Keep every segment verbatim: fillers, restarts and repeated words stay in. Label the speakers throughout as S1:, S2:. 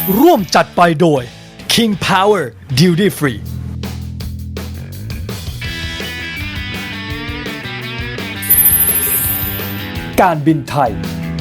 S1: ร่วมจัดไปโดย King Power Duty Free การบินไทย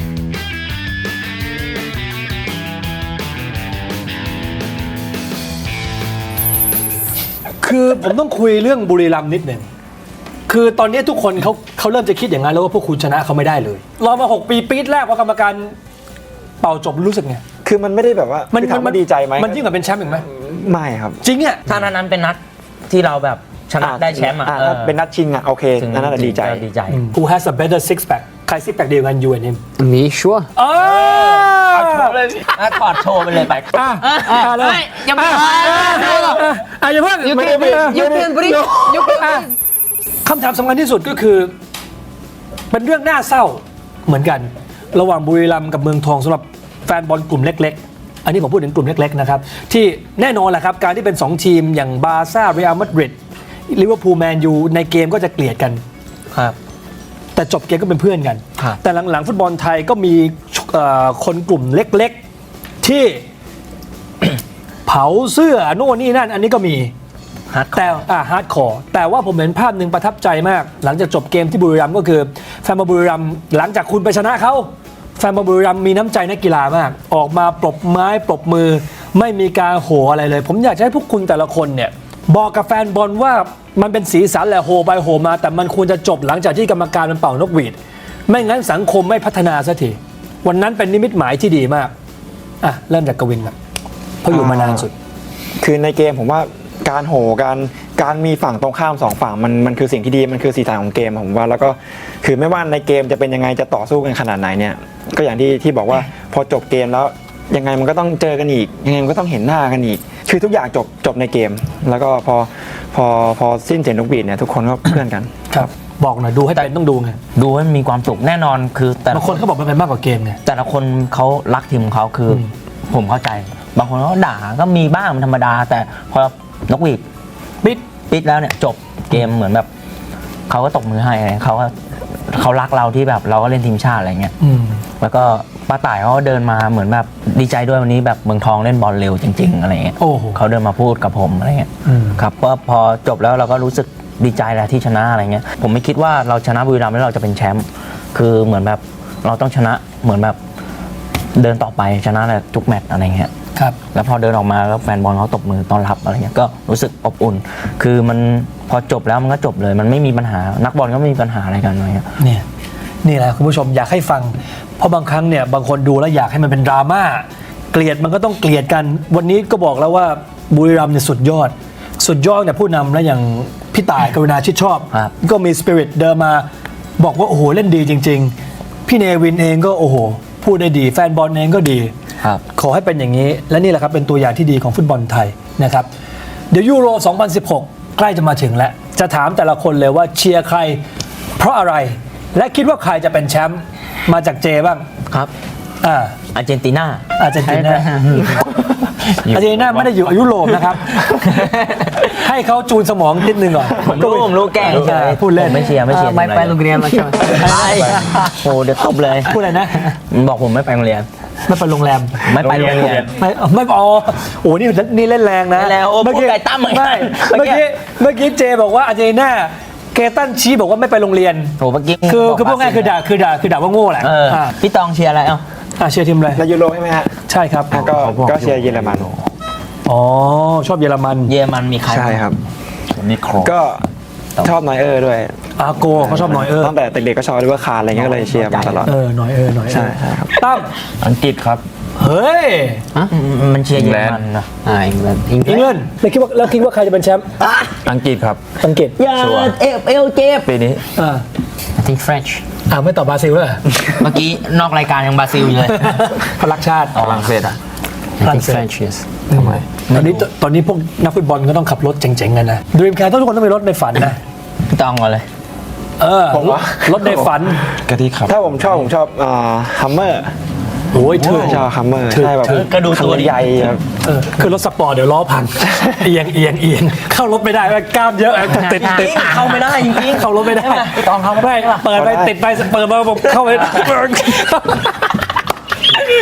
S1: คือผมต้องคุยเรื่องบุรีรัมย์นิดหนึ่งคือตอนนี้ทุกคนเขาเขาเริ่มจะคิดอย่างนั้นแล้วว่าพวกคุณชนะเขาไม่ได้เลยรอมาหกปีปีแรกว่ากรรมการเป่าจบรู้สึกไง
S2: คือมันไม่ได้แบบว่ามันถามว่าดีใจไหม
S1: มันยิ่งกว่าเป็นแชมป์อีกไหม
S2: ไม่ครับ
S1: จริงอ่ะ
S3: ถ้านั้นเป็นนัดที่เราแบบชนะได้แชมป์อ่ะ
S2: ถ้าเป็นนัดชิงอ่ะโอเคนั่นแหละดีใจ
S3: ดีใจ
S1: Who has a better six pack ใคร six pack เดียวกัน you and him
S4: Me sure
S1: อ๋อ
S3: ถอดโชว์ไปเลยไป
S1: อ่ะอ่ะเลย
S4: ยังไม่
S1: อ่ะอย่าเพิ่ง
S4: You
S1: ไม่
S4: can
S1: ไม่
S4: you can breathe you can breathe
S1: คำถามสำคัญที่สุดก็คือเป็นเรื่องน่าเศร้าเหมือนกันระหว่างบุรีรัมย์กับเมืองทองสำหรับแฟนบอลกลุ่มเล็กๆอันนี้ผมพูดถึงกลุ่มเล็กๆนะครับที่แน่นอนแหละครับการที่เป็นสองทีมอย่างบาร์ซ่าเรอัลมาดริดลิเวอร์พูลแมนยูในเกมก็จะเกลียดกัน
S3: ครับ
S1: แต่จบเกมก็เป็นเพื่อนกันแต่หลังๆฟุตบอลไทยก็มีคนกลุ่มเล็กๆที่ เผาเสื้อโน่นนี่นั่นอันนี้ก็มีแต่อ่าฮาร์ดคอร์แต่ว่าผมเห็นภาพหนึ่งประทับใจมากหลังจากจบเกมที่บุรีรัมย์ก็คือแฟนบอลบุรีรัมย์หลังจากคุณไปชนะเขาแฟนบอลบุรีรัมย์มีน้ำใจนักกีฬามากออกมาปรบไม้ปรบมือไม่มีการโห่อะไรเลยผมอยากให้พวกคุณแต่ละคนเนี่ยบอกกับแฟนบอลว่ามันเป็นสีสันแหละโห่ไปโห่มาแต่มันควรจะจบหลังจากที่กรรมการมันเป่านกหวีดไม่งั้นสังคมไม่พัฒนาสักทีวันนั้นเป็นนิมิตหมายที่ดีมากอ่ะเริ่มจากกวินครับเพราะอยู่มานานสุด
S2: คือในเกมผมว่าการโห่การการมีฝั่งตรงข้ามสองฝั่งมันมันคือสิ่งที่ดีมันคือสีสันของเกมผมว่าแล้วก็คือไม่ว่าในเกมจะเป็นยังไงจะต่อสู้กันขนาดไหนเนี่ยก็อย่างที่ที่บอกว่าพอจบเกมแล้วยังไงมันก็ต้องเจอกันอีกยังไงมันก็ต้องเห็นหน้ากันอีกคือทุกอย่างจบจบในเกมแล้วก็พอพอพอสิ้นเสียงนกหวีดเนี่ยทุกคนก็เพื่อนกัน
S1: ครับบอกหน่อยดูให้เป็นต้องดูไง
S3: ดูให้มีความสุขแน่นอนคือแต่
S1: บางคนเขาบอกมันเป็นมากกว่าเกมไง
S3: แต่ละคนเขารักทีมของเขาคือผมเข้าใจบางคนเขาด่าก็มีบ้างมันธรรมดาแต่พอนกหวีดปิดปิดแล้วเนี่ยจบเกมเหมือนแบบเขาก็ตบมือให้เขาก็เขารักเราที่แบบเราก็เล่นทีมชาติอะไรเงี้ยแล้วก็ป้าต่ายเขาเดินมาเหมือนแบบดีใจด้วยวันนี้แบบเมืองทองเล่นบอลเร็วจริงๆอะไรเงี้ยเขาเดินมาพูดกับผมอะไรเงี้ยครับก็พอจบแล้วเราก็รู้สึกดีใจแหละที่ชนะอะไรเงี้ยผมไม่คิดว่าเราชนะบุรีรัมย์แล้วเราจะเป็นแชมป์คือเหมือนแบบเราต้องชนะเหมือนแบบเดินต่อไปชนะแหละทุกแมตช์อะไรเงี้ย
S1: ครับ
S3: แล้วพอเดินออกมาแล้วแฟนบอลเขาตบมือต้อนรับอะไรเงี้ยก็รู้สึกอบอุ่นคือมันพอจบแล้วมันก็จบเลยมันไม่มีปัญหานักบอลก็ไม่มีปัญหาอะไรกันอะไรเงี้ย
S1: เนี่ยนี่แหละคุณผู้ชมอยากให้ฟังเพราะบางครั้งเนี่ยบางคนดูแล้วอยากให้มันเป็นดราม่าเกลียดมันก็ต้องเกลียดกันวันนี้ก็บอกแล้วว่าบุรีรัมย์เนี่ยสุดยอดสุดยอดเนี่ยผู้นำแล้วอย่างพี่ต่ายกรุณาชิดชอบก็มีสปิริตเดินมาบอกว่าโอ้โหเล่นดีจริงๆพี่เนวินเองก็โอ้โหพูดได้ดีแฟนบอลเองก็ดีขอให้เป็นอย่างนี้และนี่แหละครับเป็นตัวอย่างที่ดีของฟุตบอลไทยนะครับเดี๋ยวยูโรสองพันสิบหกใกล้จะมาถึงแล้วจะถามแต่ละคนเลยว่าเชียร์ใครเพราะอะไรและคิดว่าใครจะเป็นแชมป์มาจากเจบ้าง
S3: ครับ
S1: อ่า
S3: อาร์เจนตินา
S1: อาร์เจนตินาอาร์เจนตินาไม่ได้อยู่ยุโรปนะครับให้เขาจูนสมองนิดนึงก่อน
S3: ผมรู้ผมรู้แก่ใช่
S1: พูดเล่น
S3: ไม่เชียร์ไม่เชียร์
S4: ไม่ไปโรงเรียนมาใช่ไหม
S3: โอ้เดี๋ยวตบเลย
S1: พูดอะไรนะ
S3: บอกผมไม่ไปโรงเรียน
S1: ไม่ไปโรงแรม
S3: ไม่ไปโรงเรียน
S1: ไม่ไม่อ๋อโอ้นี่นี่เล่นแรงนะ
S3: แล้วเมื่อกี้ไก่ตั้ม
S1: ไม่เมื่อกี้เมื่อกี้เจบอกว่าอาร์เจนตินาเกตันชี้บอกว่าไม่ไปโรงเรียน
S3: โอ้เมื่อกี้
S1: คือคือพวกง่ายคือด่าคือด่าคือด่าว่าโง่แหละ
S3: พี่ตองเชียร์อะไรเอ้า
S1: อ่าเชียร์ทีมอะไร
S2: ในยูโรใช่ไหมฮะ
S1: ใช่ครับ
S2: ก็ก็เชียร์เยอรมัน
S1: อ๋อชอบเยอรมัน
S3: เยอรมันมีใคร
S2: ใช่ครับ
S3: มีโคร
S2: ก็ชอบนอยเออร์ด้วย
S1: อาโกเขาชอบนอยเออร์
S2: ตั้งแต่เด็กๆก็ชอบด้วยว่าคาร์อะไรเงี้ยก็เลยเชียร์มาตลอด
S1: เออนอยเออร์นอยเออร์
S2: ใช่ครับ
S1: ตั้ม
S3: อังกฤษครับ
S1: เฮ้ย
S3: มันเชียร์เยอรมันนะ
S4: อ่าอังกฤษ
S1: อังกฤษแล้วคิดว่าแล้วคิดว่าใครจะเป็นแชมป์
S3: อังกฤษครับ
S1: อังกฤษ
S3: อย่าเอฟเอลเจ็บปีนี้
S1: อ่า
S4: I think French
S1: อ่าไม่ตอบบราซิลเลย
S3: เมื่อกี้นอกรายการยังบราซิลอยู่เลย
S1: พลักชาติ
S3: ฝรั่งเศสอ่ะ
S4: I think French yes
S1: ทำไมตอนนี้ตอนนี้พวกนักฟุตบอลก็ต้องขับรถเจ๋งๆกันนะดรีมแคร์ทุกคนต้องมีรถในฝันนะ
S3: พี่ตองก่อนเลย
S1: เออรถในฝัน
S2: กะทิครับถ้าผมชอบผมชอบอ่าฮัมเมอร์
S1: โอ้ยเธอ
S2: ชอบฮัมเมอร์ใช่แบบ
S3: กระดูกตัว
S2: ใหญ่ครับ
S1: เออคือรถสปอร์ตเดี๋ยวล้อพังเอียงเอียงเอียงเข้ารถไม่ได้กล้ามเยอะติดติด
S3: เข้าไม่ได้จริงๆ
S1: เข้ารถไม่ได้
S3: พี่ตองเข้าไม่ได้
S1: เปิดไปติดไปเปิดมาผมเข้าไป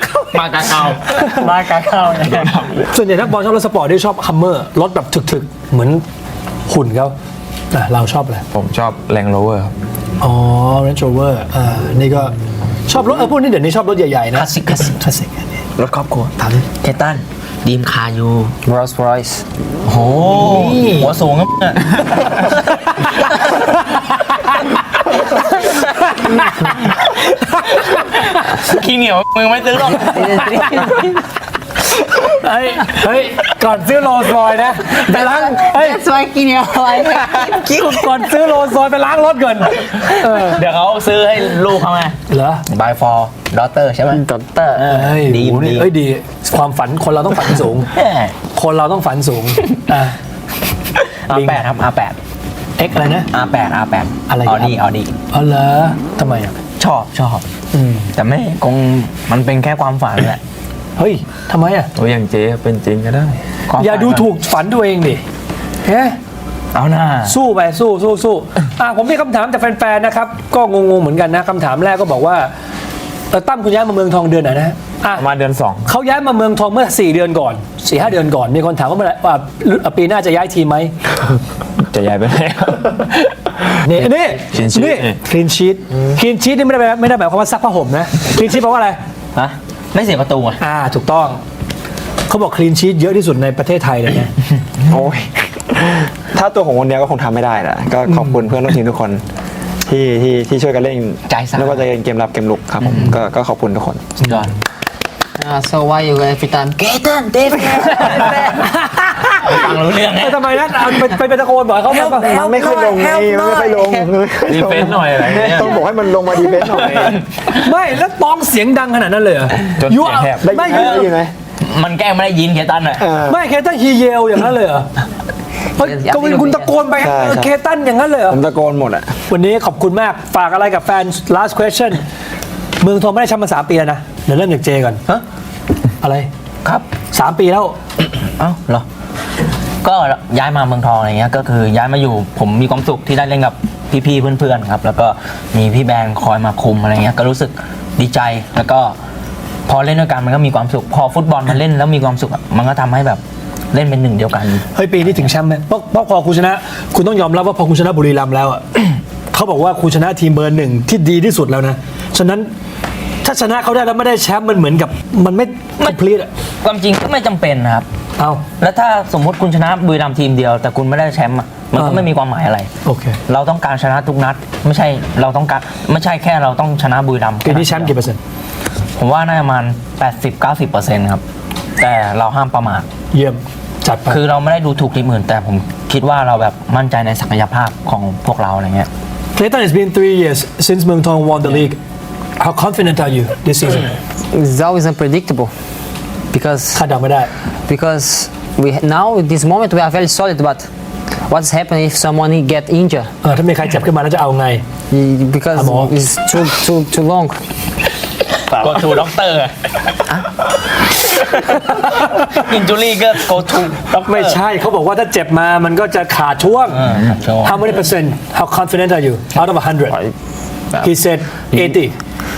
S3: มากาเกามากาเกา
S1: ส่วนใหญ่นักบอลชอบรถสปอร์ตที่ชอบฮัมเมอร์รถแบบถึกๆ เหมือนหุ่นเขาอ่ะเราชอบอะไร
S5: ผมชอบแรงโรเวอร์ครับ
S1: อ๋อ Range Rover อ่านี่ก็ชอบรถเออพวกนี้เดี๋ยวนี้ชอบรถใหญ่ ๆ นะ
S3: คลาสสิกคลาสสิก
S1: คลาสสิกอันนี้
S3: รถครอบครัว
S1: ถามดิ
S3: เคตันดีมคายู
S4: Rolls Royce.
S3: โอ้โหหัวสูงครับเนี่ยขี้เหนียวมึงไม่ซื้อหรอก
S1: เฮ้ยเฮ้ยก่อนซื้อโรลส์รอยซ์นะไปล้างเฮ้ย
S4: That's why Kenya like
S1: ก่อนซื้อโรลส์รอยซ์ไปล้างรถก่อนเออ
S3: เดี๋ยวเขาซื้อให้ลูกเขาไง
S1: เหรอ
S3: by for daughter ใช่ไหม
S4: Doctor.
S1: เฮ้ย
S3: ดี
S1: โหนี่
S3: ดี
S1: เอ้ยดี ความฝันคนเราต้องฝันสูง
S3: แหม
S1: คนเราต้องฝันสูงอ่ะ
S3: อาร์แปดครับ อาร์แปด
S1: X อะไรนะ
S3: อาร์แปด อาร์แปด
S1: อะไร
S3: อ
S1: ครั
S3: อบ ดี้ออดี้
S1: อ๋อเหรอทำไมอ่ะ
S3: ชอบชอบ
S1: อืม
S3: แต่ไม่คงมันเป็นแค่ความฝันแหละ
S1: เฮ้ยทำไมอ่ะ
S5: โอ้ยอย่างเจ๊เป็นจริงก็ได้
S3: ความ
S1: อย่า
S3: ฝัน
S1: ดูถูกฝันตัวเองดิเฮ้
S3: เอาหน้า
S1: สู้ไปสู้สู้สู้อ่ะผมมีคำถามจากแฟนๆนะครับ ก็งงๆเหมือนกันนะคำถามแรกก็บอกว่าเออตั้มคุณย้ายมาเมืองทองเดือนไหนนะอ่ะ
S5: ประมาณเดือนสอง
S1: เขาย้ายมาเมืองทองเมื่อสี่เดือนก่อนสี่ห้าเดือนก่อนมีคนถามว่าเมื่อไหร่ว่าปีหน้าจะย้ายทีมไหม
S5: จะย้ายไปไหน
S1: นี่นี่
S5: Clean sheet
S1: นี่คลีนชีตคลีนชีตนี่ไม่ได้แปลไม่ได้หมายความว่าซักผ้าห่มนะคลีนชีตแปลว่าอะไร
S3: ฮะ ไม่เสียประตูอ่ะ
S1: อ่าถูกต้องเขาบอกคลีนชีตเยอะที่สุดในประเทศไทยเลยนะ
S2: โอ้ย ถ้าตัวของคนเดียวก็คงทำไม่ได้แหละก็ขอบคุณเพื่อนร่วมทีมทุกคนที่ที่ที่ช่วยกันเล่น
S3: ใจสั่น
S2: ไม่ว่าจะเป็นเกมรับเกมลุกครับผมก็ก็ขอบคุณทุกคน
S3: สุดยอด
S4: Uh, so why you every time?
S3: เกตันเดฟฟังรู้เรื่องไง
S1: เออทำไมนะเอาไปไปไปตะโกนบอกให้เขาแบบว่า
S2: มันไม่ค่อยลงไงมันไม่ค่อยลง
S5: ดีเฟนส์หน่อยอะไรเนี่ย
S2: ต้องบอกให้มันลงมาดีเฟนส์หน่อย
S1: ไม่แล้วตองเสียงดังขนาดนั้นเลยเหรอ
S5: จน
S1: ยู
S5: เสียงแหบ
S2: ได้
S1: ไม่
S2: ยินได้ยินไหม
S3: มันแกล้งไม่ได้ยินเคตันอ่ะ
S2: เออ
S1: ไม่เคตันฮีเยลอย่างนั้นเลยเหรอเฮ้ยกวินคุณตะโกนไป
S2: ใช่
S1: เออ
S2: ใช่
S1: เคตันอย่างนั้นเลยเหรอ
S2: ผมตะโกนหมดอ่ะ
S1: วันนี้ขอบคุณมากฝากอะไรกับแฟน last question เมืองทองไม่ได้แชมป์มาสามปีแล้วนะเดี๋ยวเริ่มจากเจก่อน
S3: ฮะ
S1: อะไร
S3: ครับ
S1: สามปีแล้ว
S3: เอ้าเหรอ ก็ย้ายมาเมืองทองอะไรเงี้ย ก็คือย้ายมาอยู่ผมมีความสุขที่ได้เล่นกับพี่ๆเพื่อนๆครับ แล้วก็มีพี่แบงค์คอยมาคุมอะไรเงี้ย ก็รู้สึกดีใจ แล้วก็พอเล่นด้วยกันมันก็มีความสุข พอฟุตบอลมันเล่นแล้วมีความสุขอะมันก็ทำให้แบบเล่นเป็นหนึ่งเดียวกัน
S1: เฮ้ยปีนี้ถึงแชมป์ไหมเพราะเพราะพอคุณชนะ คุณต้องยอมรับว่าพอคุณชนะบุรีรัมย์แล้วอ่ะ เขาบอกว่าคุณชนะทีมเบอร์หนึ่งที่ดีที่สุดแล้วนะ ฉะนั้นถ้าชนะเขาได้แล้วไม่ได้แชมป์มันเหมือนกับมันไม่ไม่พลีดอ่ะ
S3: ความจริงก็ไม่จำเป็นนะครับ
S1: เอา
S3: แล้วถ้าสมมติคุณชนะบุรีรัมย์ทีมเดียว แต่คุณไม่ได้แชมป์อะมันก็
S1: อ่า
S3: ไม่มีความหมายอะไร
S1: โอเค
S3: เราต้องการชนะทุกนัด ไม่ใช่เราต้องการไม่ใช่แค่เราต้องชนะบุรีรัมย์
S1: ปีนี้แชมป์กี่เปอร์เซ็นต์
S3: ผมว่าน่าจะประมาณ แปดสิบถึงเก้าสิบเปอร์เซ็นต์ ครับ แต่เราห้ามประมาท
S1: เยี่ยมจัดไป
S3: คือเราไม่ได้ดูถูกทีมอื่น แต่ผมคิดว่าเราแบบมั่นใจในศักยภาพของพวกเราอะไรเงี้ย
S1: Clayton, it's been three years since Muang Thong won the league. How confident are you this season?
S4: It's always unpredictable because
S1: คาดเดาไม่ได้
S4: because we now at this moment we are very solid. But what's happening if someone get injured?
S1: เออถ้ามีใครเจ็บขึ้นมาแล้วจะเอาไง
S4: Y- Because
S1: Come on.
S4: it's too too too long.
S3: go to doctor อินจูรี่ก็ go to doctor
S1: ไม่ใช่เขาบอกว่าถ้าเจ็บมามันก็จะขาดช่วง
S3: เออขาดช่วง
S1: How many percent How confident are you out of a hundred He said eighty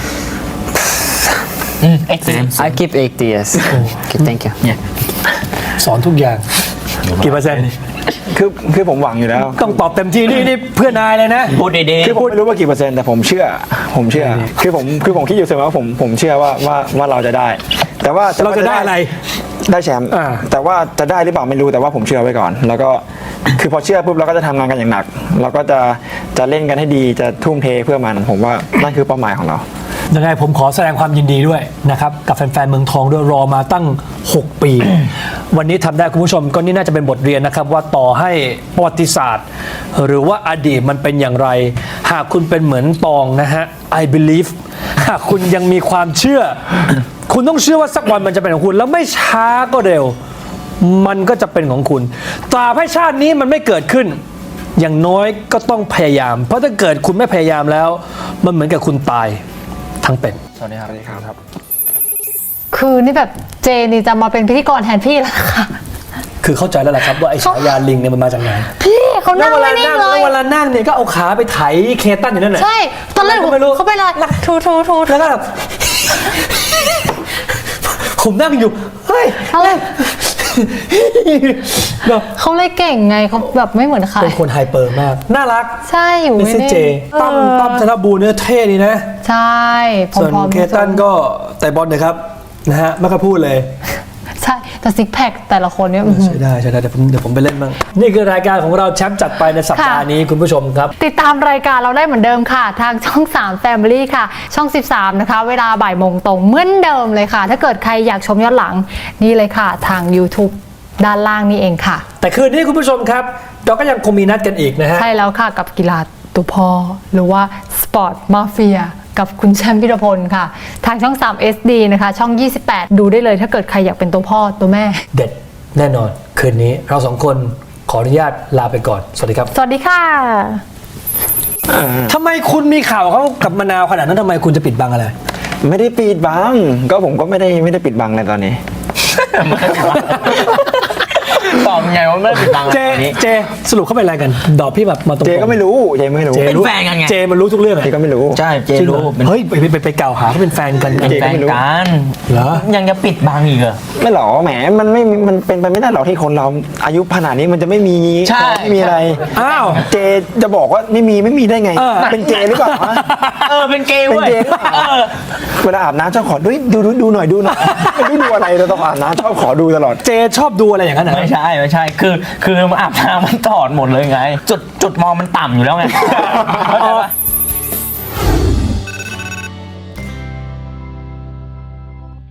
S3: อืม excellent
S4: I keep eighty years. Okay, thank you.
S1: สอนทุกอย่างกี่เปอร์เซ็นต์
S2: คือคือผมหวังอยู่แล้ว
S1: ต้องตอบเต็มที่นี่นี่เพื่อนนายเลยนะ
S3: พูดดี
S2: คือผมไม่รู้ว่ากี่เปอร์เซ็นต์แต่ผมเชื่อ ผมเชื่อ คือผมคือผมคิดอยู่เสมอว่าผมผมเชื่อว่าว่าว่าเราจะได้ แต่ว่า
S1: เราจะได้อะไร
S2: ได้แชมป์
S1: อ่า
S2: แต่ว่าจะได้หรือเปล่าไม่รู้แต่ว่าผมเชื่อไว้ก่อน แล้วก็คือพอเชื่อปุ๊บเราก็จะทำงานกันอย่างหนัก เราก็จะจะเล่นกันให้ดีจะทุ่มเทเพื่อมัน ผมว่านั่นคือเป้าหมายของเรา
S1: ยังไงผมขอแสดงความยินดีด้วยนะครับกับแฟนๆเมืองทองด้วยรอมาตั้ง หก ปี วันนี้ทำได้คุณผู้ชมก็นี่น่าจะเป็นบทเรียนนะครับว่าต่อให้ประวัติศาสตร์ หรือว่าอดีตมันเป็นอย่างไร หากคุณเป็นเหมือนตองนะฮะ I believe หากคุณยังมีความเชื่อ คุณต้องเชื่อว่าสักวันมันจะเป็นของคุณ แล้วไม่ช้าก็เร็ว มันก็จะเป็นของคุณตราบให้ชาตินี้มันไม่เกิดขึ้น อย่างน้อยก็ต้องพยายาม เพราะถ้าเกิดคุณไม่พยายามแล้ว มันเหมือนกับคุณตายทั้งเป็น
S3: ๆสวัสดีครับ
S6: คือนี่แบบเจนี่จะมาเป็นพิธีกรแทนพี่แล้วค่ะ
S1: คือเข้าใจแล้วแหละครับว่าไอ้ฉายาลิงเนี่ยมันมาจากไหน
S6: พี่เขา
S1: แล้
S6: นั่
S1: ว
S6: ง
S1: เวลา
S6: ไม่นิ่
S1: นั่
S6: ง
S1: ง
S6: เล
S1: แล้ว
S6: ย
S1: เวลานั่งเนี่ยก็เอาขาไปไถเคตันอยู่นั่นแหละ
S6: ใช่ ตอนแรก
S1: ก็ไม่รู้
S6: เขาไปเลยทูทูทู
S1: แล้วก็แบบผมนั่งอยู่เฮ้ย
S6: เขาเลย
S1: แบบ
S6: เขาเลยเก่งไงเขาแบบไม่เหมือนใคร
S1: เป็นคนไฮเปอร์มาก น่ารัก
S6: ใช่อยู่
S1: เมส
S6: ไม่
S1: ซี่
S6: ได้
S1: เจตั้ม
S6: เออ
S1: ตั้มธนบูรณ์เนี่ยเท่ดีนะ
S6: ใช่พ
S1: ส่วน
S6: ร้อมๆ
S1: เคตันก็แต่บอลนะครับนะฮะไม่ค่อยพูดเลย
S6: ใช่แต่ซิกแพคแต่ละคนเนี่ยอื้อหือ
S1: ใช่ได้ใช่ได้เดี๋ยวผมเดี๋ยวผมไปเล่นบ้างนี่คือรายการของเราแชมป์จัดไปในสัปดาห์
S6: ค่ะ
S1: นี้คุณผู้ชมครับ
S6: ติดตามรายการเราได้เหมือนเดิมค่ะ ทางช่อง สาม Family ค่ะ ช่อง สิบสาม นะคะ เวลาบ่ายโมงตรงเหมือนเดิมเลยค่ะ ถ้าเกิดใครอยากชมย้อนหลังนี่เลยค่ะ ทาง YouTube ด้านล่างนี่เองค่ะ
S1: แต่คืนนี้คุณผู้ชมครับ เราก็ยังคงมีนัดกันอีกนะฮะ
S6: ใช่แล้วค่ะกับกีฬาตัวพอหรือว่าสปอร์ตมาเฟียกับคุณแชมป์พิรพลค่ะ ทางช่อง สาม เอส ดี นะคะ ช่อง ยี่สิบแปด ดูได้เลยถ้าเกิดใครอยากเป็นตัวพ่อตัวแม่
S1: เด็ดแน่นอนคืนนี้เราสองคนขออนุญาตลาไปก่อนสวัสดีครับ
S6: สวัสดีค่ะ
S1: ทำไมคุณมีข่าวเขากับมะนาวขนาดนั้นทำไมคุณจะปิดบังอะไร
S2: ไม่ได้ปิดบังก็ผมก็ไม่ได้ไม่ได้ปิดบังเลยตอนนี้
S3: ตอบไงว่าไม่ได้ปิดบัง
S1: เจ
S3: อันนี้
S1: เจสรุปเข้าไปอะไรกัน ดอกพี่แบบมาตรงๆ
S2: เจก็ไม่รู้เจไม่รู้
S1: เจ
S3: เป็น
S1: รู้
S3: แฟนกันไง
S1: เจมันรู้ทุกเรื่องอะ
S2: เจก็ไม่รู้
S3: ใช่เจ
S1: จริงเหร
S3: รู้
S1: อ
S3: เป็น
S1: เฮ้ยไปไปไปไปกล่าวหาเขาเป็นแฟนกัน
S3: เป็น
S2: เจ
S3: แฟ
S2: ก็
S3: น
S2: ไม่รู้
S3: กัน
S1: เหรอ
S3: ยังจะปิดบังอีกเหรอ
S2: ไม่หรอกแหมมันไม่มันเป็นไปไม่ได้หรอกที่คนเราอายุขนาดนี้มันจะไม่มี
S3: ใช่
S2: ไม่มีอะไร
S1: อ้าว
S2: เจจะบอกว่าไม่มีไม่มีได้ไง
S1: เออ
S2: เป็นเจหรือเปล่าวะ
S3: เออเป็นเกย์
S2: เป็น
S3: เว้ย
S2: เจหรือเปล่า
S3: เออ
S2: เวลาอาบน้ำชอบขอดูดูดูดูหน่อยดูหน่อยไม่รู้ดูอะไรเราต้องอาบน้ำชอบขอดูตลอด
S1: เจชอบดูอะไรอย่างนั้นเหรอ
S3: ไม่ใช่ไม่ใช่คือคือมาอาบน้ำมันถอดหมดเลยไง จุดจุดมองมันต่ำอยู่แล้วไงเข้าใจปะ